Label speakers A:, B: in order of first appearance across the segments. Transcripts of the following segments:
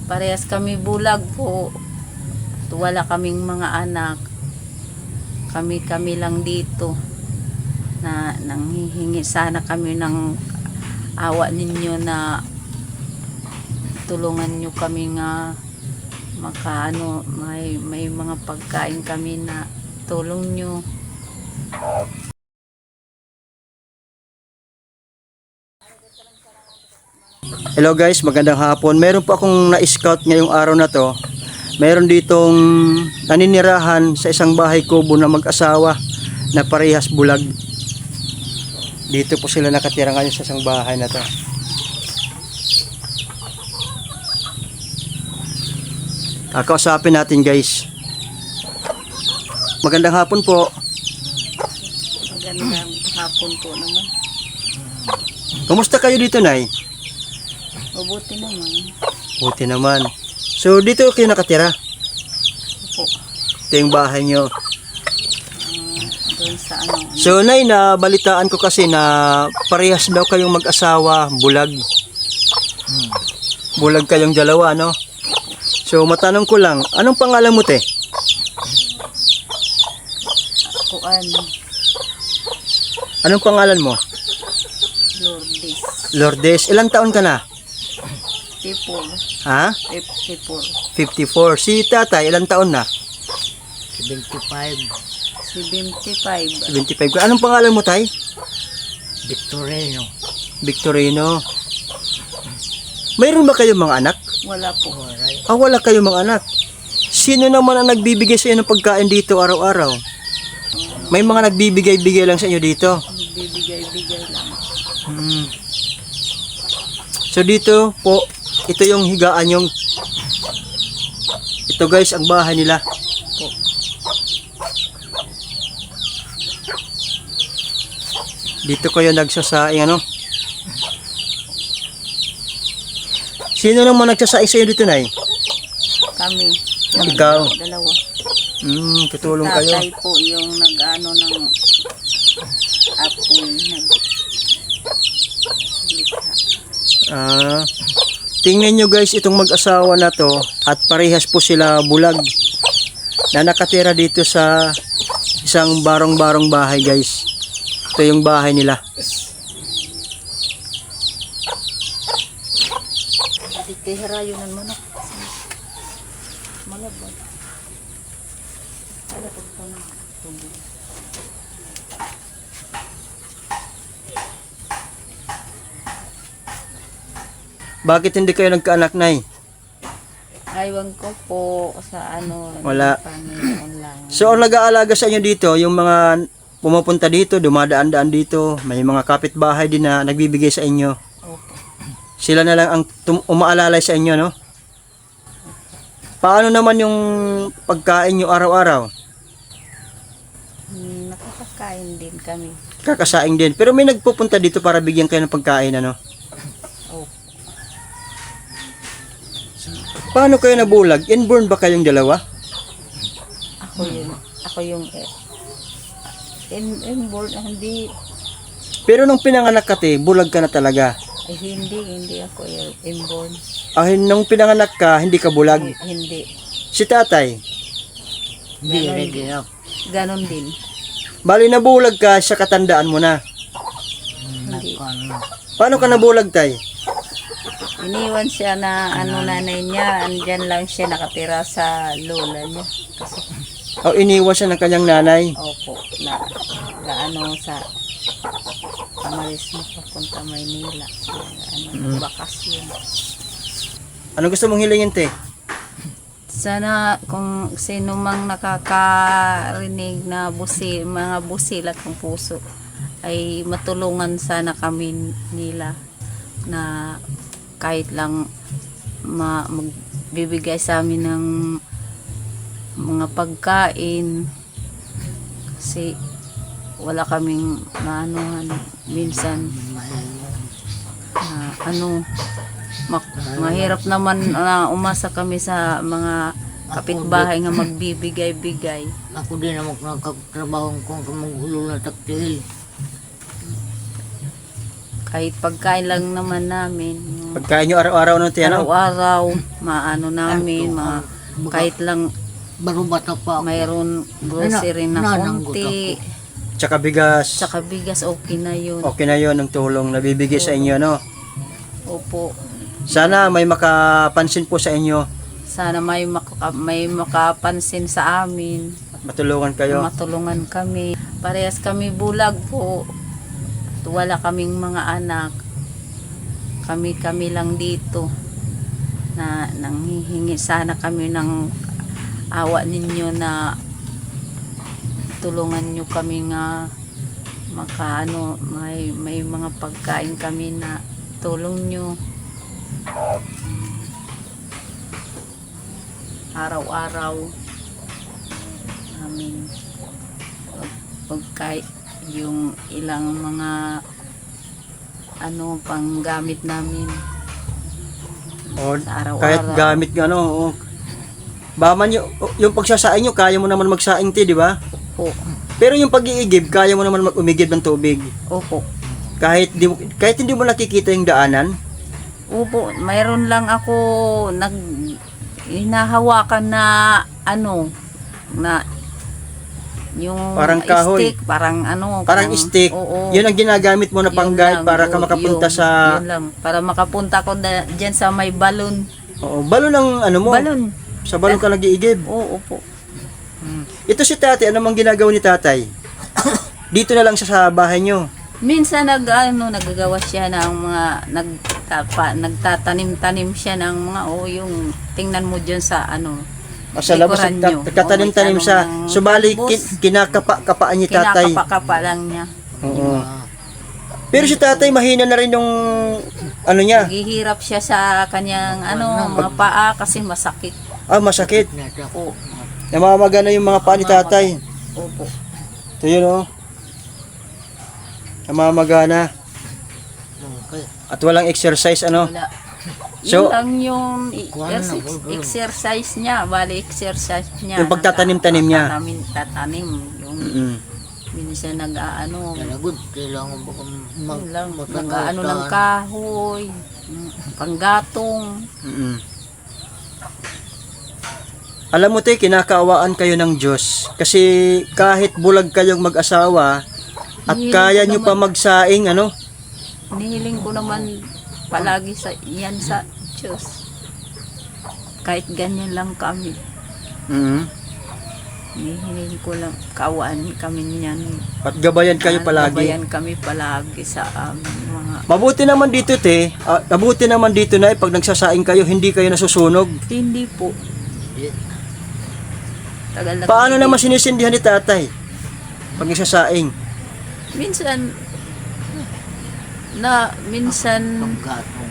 A: Parehas kami bulag po. At wala kaming mga anak. Kami lang dito. Na nanghihingi sana kami ng awa ninyo na tulungan nyo kami nga makaano, may mga pagkain kami na tulong nyo.
B: Hello guys, magandang hapon. Meron po akong na-scout ngayong araw na to. Meron ditong naninirahan sa isang bahay kubo na mag-asawa na parehas bulag. Dito po sila nakatira ngayon sa isang bahay na to. Kakausapin natin guys. Magandang hapon po.
A: Magandang hapon po naman.
B: Kumusta kayo dito, Nay?
A: Mabuti naman.
B: Buti naman. So dito kayo nakatira?
A: Opo.
B: Ito yung bahay nyo.
A: Doon sa ano.
B: So Nay, nabalitaan ko kasi na parehas daw kayong mag-asawa, bulag. Bulag kayong dalawa, no? So matanong ko lang, anong pangalan mo, te?
A: Kuan.
B: Anong pangalan mo?
A: Lourdes.
B: Lourdes. Ilang taon ka na?
A: Tipol.
B: Ha?
A: Tipol.
B: 54. Si tatay, ilang taon na?
A: 75. 75.
B: 75 ka. Anong pangalan mo, tay?
A: Victorino.
B: Victorino. Mayroon ba kayong mga anak?
A: Wala po.
B: Wala kayong mga anak. Sino naman ang nagbibigay sa inyo ng pagkain dito araw-araw? May mga nagbibigay-bigay lang sa inyo dito.
A: Bibigay-bigay lang.
B: So dito po, ito yung higaan yung ito guys, ang bahay nila.
A: Po.
B: Dito kayo nagsasaing ano? Sino naman nagsasaing sa iyo dito, Nay?
A: Kami.
B: Ikaw?
A: Dalawa.
B: Tutulong kayo.
A: Tatay po yung nag-ano ng apoy.
B: Tingnan nyo guys, itong mag-asawa na to at parehas po sila bulag na nakatira dito sa isang barong-barong bahay guys. Ito yung bahay nila.
A: Tihirayunan mo na. Malabot. Malabot po na.
B: Bakit hindi kayo nagkaanak, Nay?
A: Aywan ko po sa ano.
B: Wala.
A: Panginoon lang.
B: So ang nag-aalaga sa inyo dito, yung mga pumupunta dito, dumadaan-daan dito, may mga kapitbahay din na nagbibigay sa inyo.
A: Opo.
B: Sila na lang ang umaalalay sa inyo, no? Paano naman yung pagkain nyo araw-araw?
A: Nakakakain din kami.
B: Kakasaing din. Pero may nagpupunta dito para bigyan kayo ng pagkain, ano?
A: Opo.
B: Paano kayo nabulag? Inborn ba kayong dalawa?
A: Ako yun. Ako yung inborn. Hindi.
B: Pero nung pinanganak ka, te, bulag ka na talaga.
A: Hindi ako inborn.
B: Nung pinanganak ka, hindi ka bulag.
A: Hindi.
B: Si tatay,
A: Ganon din.
B: bali nabulag ka sa katandaan mo na.
A: Hindi.
B: Paano ka nabulag, tay?
A: Iniwan siya na nanay niya. Andyan lang siya nakatira sa lola niya. Kasi,
B: O iniwan siya ng kanyang nanay.
A: opo, sa Amaris na papunta Maynila. Bakasyon.
B: Ano gusto mong hilingin, te?
A: Sana kung sino mang nakakarinig na mga busilat ng puso ay matulungan sana kami nila na kahit lang magbibigay sa amin ng mga pagkain kasi wala kaming maanuhan minsan mahirap naman na umasa kami sa mga kapitbahay nga magbibigay-bigay.
C: Ako din naman nagkatrabaho kung magulo na taktil.
A: Kahit pagkain lang naman namin,
B: Pagkain nyo araw-araw no, te, ano?
A: Araw-araw, maano namin, kahit lang
C: Barubata pa ako.
A: mayroon grocery na
C: nananggot
A: konti,
B: Tsaka bigas.
A: tsaka bigas, okay na yun.
B: Okay na yon ang tulong na bibigay sa inyo, no?
A: Opo.
B: Sana may makapansin po sa inyo
A: Sana may makapansin sa amin,
B: at matulungan kayo.
A: matulungan kami. Parehas kami bulag po. At wala kaming mga anak. Kami lang dito na nanghihingi sana kami ng awa ninyo na tulungan nyo kami nga may mga pagkain kami na tulong nyo araw-araw namin pagkain yung ilang mga panggamit namin
B: O,
A: sa araw-araw.
B: kahit gamit nga, ano, baman yung pagsasaing nyo, kaya mo naman magsaing, te, di ba?
A: Opo.
B: Pero yung pag-iigib, kaya mo naman umigib ng tubig.
A: Opo.
B: Kahit hindi mo nakikita yung daanan.
A: Opo, mayroon lang ako hinahawakan na na yung
B: Parang kahoy.
A: stick, parang
B: Parang stick.
A: Oo.
B: Yun ang ginagamit mo na
A: Yun
B: pang-guide
A: lang,
B: para ka makapunta sa...
A: yun lang, para makapunta ko dyan sa may balon.
B: Oo, balon ang ano mo.
A: Balon.
B: Sa balon ka nag-iigib.
A: Oo po.
B: Ito si tatay, ano mang ginagawa ni tatay? Dito na lang siya sa bahay nyo.
A: Minsan naggagawa siya ng mga nagtatanim-tanim siya ng mga yung tingnan mo diyan sa
B: Sa labas,
A: likuran nyo.
B: nagtatanim-tanim
A: May
B: siya.
A: tanong ng
B: Subali,
A: talbos.
B: kinakapa-kapaan ni tatay.
A: Kinakapa-kapa lang niya.
B: Oo. Pero si tatay, mahina na rin yung ano niya.
A: Naghihirap siya sa kanyang mga paa kasi masakit.
B: Ah, masakit.
A: Oo.
B: Namamaga na yung mga paa ni tatay.
A: Opo.
B: Ito yun, oh. Namamaga na. At walang exercise, ano.
A: Wala.
B: So,
A: Yun lang yung
C: Kuha na,
A: exercise niya. Bali, exercise niya.
B: Yung pagtatanim-tanim niya.
A: Tatanim. Yung minsan
C: Talagod, kailangan ba kung
A: yun lang, ng kahoy, panggatong.
B: Alam mo, te, kinakaawaan kayo ng Diyos. Kasi kahit bulag kayong mag-asawa at
A: Hihiling
B: kaya
A: ko
B: nyo pa
A: naman.
B: magsaing, ano.
A: Hinihiling ko naman palagi sa Diyos. Kahit ganyan lang kami. Hinihiling ko lang, kaawaan kami niyan.
B: At gabayan kayo palagi.
A: Gabayan kami palagi sa mga...
B: Mabuti naman dito, te. Mabuti naman dito na pag nagsasaing kayo, hindi kayo nasusunog.
A: Hindi po. Tagal na
B: Paano
A: kami
B: naman sinisindihan ni tatay pag nagsasaing?
A: minsan
C: gatong.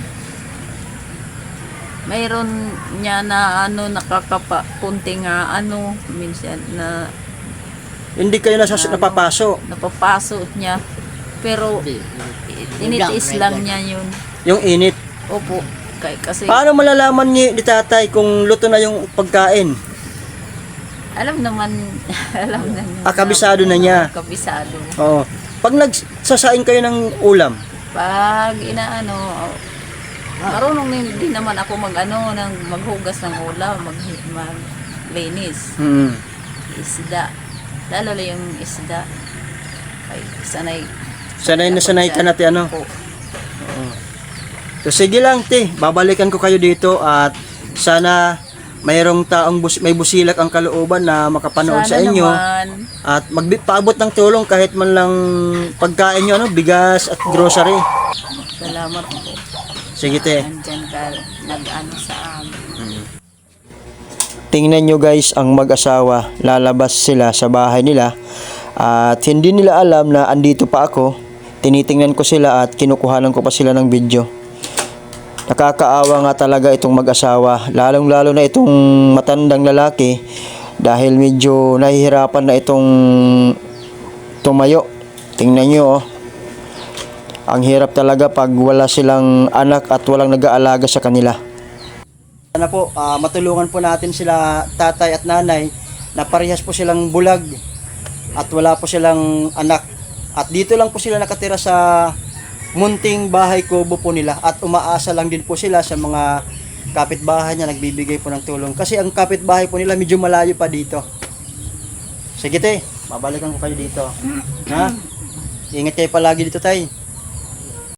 A: mayroon niya na nakakapa kunting minsan na
B: Hindi kayo napapaso.
A: napapaso niya pero tinitiis lang niya yun.
B: Yung init.
A: Opo. Kasi
B: Paano malalaman ni tatay kung luto na yung pagkain?
A: alam naman niya.
B: Kabisado na niya.
A: Kabisado.
B: Oo. Pag nagsasaing kayo ng ulam,
A: Pag marunong din naman ako maghugas ng ulam, maglinis. Isda. Lalo na yung isda. Ay,
B: sanay na sanay ka natin, ano.
A: Po.
B: So, sige lang, te. Babalikan ko kayo dito at sana mayroong taong may busilak ang kalooban na makapanood sa
A: Sana
B: inyo
A: naman.
B: at magpaabot ng tulong kahit man lang pagkain nyo, bigas at grocery.
A: Salamat po.
B: Sige, te.
A: Nandyan ka sa amin.
B: Tingnan nyo guys, ang mag-asawa, lalabas sila sa bahay nila at hindi nila alam na andito pa ako. Tinitingnan ko sila at kinukuhanan ko pa sila ng video. Nakakaawa nga talaga itong mag-asawa, lalong-lalo na itong matandang lalaki dahil medyo nahihirapan na itong tumayo. Tingnan nyo, oh. Ang hirap talaga pag wala silang anak at walang nag-aalaga sa kanila. Sana po, matulungan po natin sila tatay at nanay na parehas po silang bulag at wala po silang anak. At dito lang po sila nakatira sa munting bahay kubo po nila at umaasa lang din po sila sa mga kapitbahay niya nagbibigay po ng tulong. Kasi ang kapitbahay po nila medyo malayo pa dito. Sige te, babalikan ko kayo dito. Ha? Ingat kayo palagi dito tay.